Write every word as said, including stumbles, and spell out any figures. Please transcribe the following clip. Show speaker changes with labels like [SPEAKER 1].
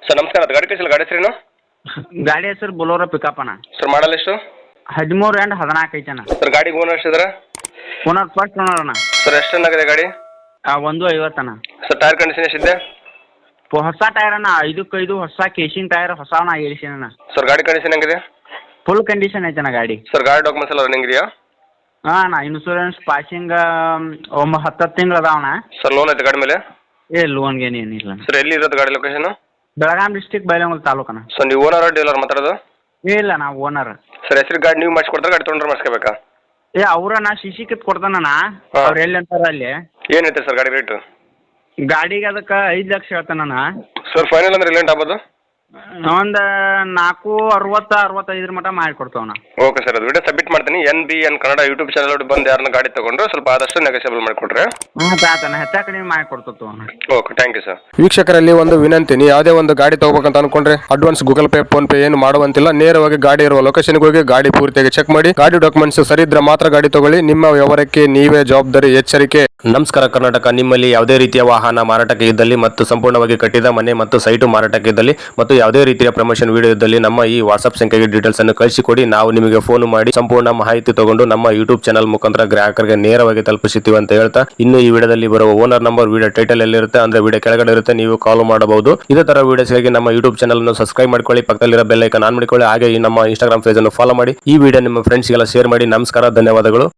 [SPEAKER 1] Sir ನಮಸ್ಕಾರ, ಅದು ಗಾಡಿ ಕಳಿಸಿಲ್ಲ, ಗಾಡಿ ಹೆಸರೇನು?
[SPEAKER 2] ಗಾಡಿ ಹೆಸರು ಬೊಲೋರೋ ಪಿಕಪ್ ಅಣ್ಣ.
[SPEAKER 1] ಸರ್ ಮಾಡಲ್ ಎಷ್ಟು?
[SPEAKER 2] ಹದಿಮೂರು ಎಂಟು ಹದಿನಾಲ್ಕು ಐತಣ್ಣ.
[SPEAKER 1] ಸರ್ ಗಾಡಿ ಓನರ್ ಎಷ್ಟಿದ್ದಾರೆ?
[SPEAKER 2] ಓನರ್ ಫಸ್ಟ್ ಓನರ್ ಅಣ್ಣ.
[SPEAKER 1] ಸರ್ ಎಷ್ಟು ಚೆನ್ನಾಗಿದೆ ಗಾಡಿ?
[SPEAKER 2] ಆ, ಒಂದು ಐವತ್ತಣ್ಣ.
[SPEAKER 1] ಸರ್ ಟೈರ್ ಕಂಡೀಷನ್ ಎಷ್ಟಿದೆ?
[SPEAKER 2] ಪ- ಹೊಸ ಟೈರ್ ಅಣ್ಣ, ಐದಕ್ಕೆ ಐದು ಹೊಸ ಕೇಶಿಂಗ್ ಟೈರ್ ಹೊಸವನ್ನ ಏಳಿಸಿನ.
[SPEAKER 1] ಸರ್ ಗಾಡಿ ಕಂಡೀಷನ್ ಹೆಂಗಿದೆ?
[SPEAKER 2] ಫುಲ್ ಕಂಡೀಷನ್ ಐತಣ್ಣ ಗಾಡಿ.
[SPEAKER 1] ಸರ್ ಗಾಡಿ ಡಾಕ್ಯುಮೆಂಟ್ಸ್ ಎಲ್ಲ ರನ್ನಿಂಗ್ ಇದೆಯಾ?
[SPEAKER 2] ಹಾಂ ಅಣ್ಣ, ಇನ್ಸೂರೆನ್ಸ್ ಪಾಸಿಂಗ್ ಒಂಬ ಹತ್ತು ಹತ್ತು ತಿಂಗಳು ಅದಾವಣ್ಣ.
[SPEAKER 1] ಸರ್ ಲೋನ್ ಐತೆ ಗಾಡಿ ಮೇಲೆ?
[SPEAKER 2] ಏ ಲೋನ್ಗೇನು ಏನಿಲ್ಲ.
[SPEAKER 1] ಸರ್ ಎಲ್ಲಿ ಇರೋದು ಗಾಡಿ ಲೊಕೇಶನ್?
[SPEAKER 2] ಬೆಳಗಾಂ ಡಿಸ್ಟಿಕ್ ಬೈಲಹೊಂಗಲ ತಾಲೂಕಣ್ಣ.
[SPEAKER 1] ಸರ್ ನೀವು ಓನರ್ ಡೀಲರ್ ಮಾತಾಡೋದು?
[SPEAKER 2] ಏ ಇಲ್ಲ, ನಾವು ಓನರ್.
[SPEAKER 1] ಸರ್ ಹೆಸರು ಗಾಡಿ ನೀವು ಮಾಡಿಸ್ಕೊಡ್ತಾರೆ, ಗಾಡಿ ತೊಗೊಂಡ್ರೆ ಮಾಡಿಸ್ಕೋಬೇಕಾ?
[SPEAKER 2] ಏ ಅವ್ರಣ್ಣ ಸಿ ಸಿ ಕಿತ್ ಕೊಡ್ತಾನಣ್ಣ.
[SPEAKER 1] ಹಾ.
[SPEAKER 2] ಅವ್ರು ಎಲ್ಲಿ ಅಂತಾರ ಅಲ್ಲಿ.
[SPEAKER 1] ಏನೈತೆ ಸರ್ ಗಾಡಿ ರೇಟು?
[SPEAKER 2] ಗಾಡಿಗೆ ಅದಕ್ಕೆ ಐದು ಲಕ್ಷ ಹೇಳ್ತಾನಣ್ಣ.
[SPEAKER 1] ಸರ್ ಫೈನಲ್ ಅಂದ್ರೆ ರಿಲೆಂಟ್ ಆಗ್ಬೋದು?
[SPEAKER 2] ಒಂದು ನಾಲ್ಕು ಅರವತ್ತು ಅರವತ್ತೈದರ ಮಟ್ಟ ಮಾಡಿಕೊಡ್ತಾವಣ್ಣ.
[SPEAKER 1] ಓಕೆ ಸರ್, ಅದು ವಿಡಿಯೋ ಸಬ್ಮಿಟ್ ಮಾಡ್ತೀನಿ. N B N Kannada YouTube channel ಬಂದು ಯಾರನ್ನ ಗಾಡಿ ತೊಗೊಂಡ್ರೆ ಸ್ವಲ್ಪ ಆದಷ್ಟು ನೆಗೋಸಿಯಬಲ್ ಮಾಡಿಕೊಡ್ರೆ.
[SPEAKER 2] ಹ್ಞೂ ಆತಣ್ಣ, ಹೆಚ್ಚು ಕಡಿಮೆ ಮಾಡಿಕೊಡ್ತತ್ತು ಅಣ್ಣ.
[SPEAKER 1] Okay, thank you sir.
[SPEAKER 3] ವೀಕ್ಷಕರಲ್ಲಿ ಒಂದು ವಿನಂತಿ, ನೀವು ಯಾವುದೇ ಒಂದು ಗಾಡಿ ತಗೋಬೇಕಂತ ಅನ್ಕೊಂಡ್ರೆ advance Google Pay PhonePe ಏನು ಮಾಡುವಂತಿಲ್ಲ. ನೇರವಾಗಿ ಗಾಡಿ ಇರುವ ಲೊಕೇಶನ್ಗೆ ಹೋಗಿ ಗಾಡಿ ಪೂರ್ತಿಯಾಗಿ ಚೆಕ್ ಮಾಡಿ, ಗಾಡಿ ಡಾಕ್ಯುಮೆಂಟ್ಸ್ ಸರಿ ಇದ್ರೆ ಮಾತ್ರ ಗಾಡಿ ತಗೊಳ್ಳಿ. ನಿಮ್ಮ ವ್ಯವಹಾರಕ್ಕೆ ನೀವೇ ಜವಾಬ್ದಾರಿ. ಎಚ್ಚರಿಕೆ. ನಮಸ್ಕಾರ ಕರ್ನಾಟಕ. ನಿಮ್ಮಲ್ಲಿ ಯಾವುದೇ ರೀತಿಯ ವಾಹನ ಮಾರಾಟಕ್ಕೆ ಇದ್ದಲ್ಲಿ ಮತ್ತು ಸಂಪೂರ್ಣವಾಗಿ ಕಟ್ಟಿದ ಮನೆ ಮತ್ತು ಸೈಟು ಮಾರಾಟಕ್ಕೆ ಇದ್ದಲ್ಲಿ ಮತ್ತು ಯಾವುದೇ ರೀತಿಯ ಪ್ರಮೋಷನ್ ವಿಡಿಯೋ ಇದ್ದಲ್ಲಿ ನಮ್ಮ ಈ ವಾಟ್ಸ್ಆಪ್ ಸಂಖ್ಯೆಗೆ ಡೀಟೇಲ್ಸ್ ಅನ್ನು ಕಳಿಸಿಕೊಡಿ. ನಾವು ನಿಮಗೆ ಫೋನ್ ಮಾಡಿ ಸಂಪೂರ್ಣ ಮಾಹಿತಿ ತಗೊಂಡು ನಮ್ಮ ಯೂಟ್ಯೂಬ್ ಚಾನಲ್ ಮುಖಾಂತರ ಗ್ರಾಹಕರಿಗೆ ನೇರವಾಗಿ ತಲುಪಿಸುತ್ತೀವಿ ಅಂತ ಹೇಳ್ತಾ, ಇನ್ನು ಈ ವಿಡಿಯೋದಲ್ಲಿ ಬರುವ ಓನರ್ ನಂಬರ್ ವಿಡಿಯೋ ಟೈಟಲ್ ಎಲ್ಲಿರುತ್ತೆ ಅಂದ್ರೆ ವಿಡಿಯೋ ಕೆಳಗಡೆ ಇರುತ್ತೆ, ನೀವು ಕಾಲ್ ಮಾಡಬಹುದು. ಇದೇ ತರ ವಿಡಿಯೋಸ್ಗಾಗಿ ನಮ್ಮ ಯೂಟ್ಯೂಬ್ ಚಾನಲ್ ಅನ್ನು ಸಬ್ಸ್ಕ್ರೈಬ್ ಮಾಡ್ಕೊಳ್ಳಿ, ಪಕ್ಕದಲ್ಲಿರೋ ಬೆಲ್ ಐಕಾನ್ ಆನ್ ಮಾಡಿಕೊಳ್ಳಿ. ಹಾಗೆ ಈ ನಮ್ಮ ಇನ್ಸ್ಟಾಗ್ರಾಮ್ ಪೇಜ್ ಅನ್ನು ಫಾಲೋ ಮಾಡಿ. ಈ ವಿಡಿಯೋ ನಿಮ್ಮ ಫ್ರೆಂಡ್ಸ್ಗೆಲ್ಲ ಶೇರ್ ಮಾಡಿ. ನಮಸ್ಕಾರ, ಧನ್ಯವಾದಗಳು.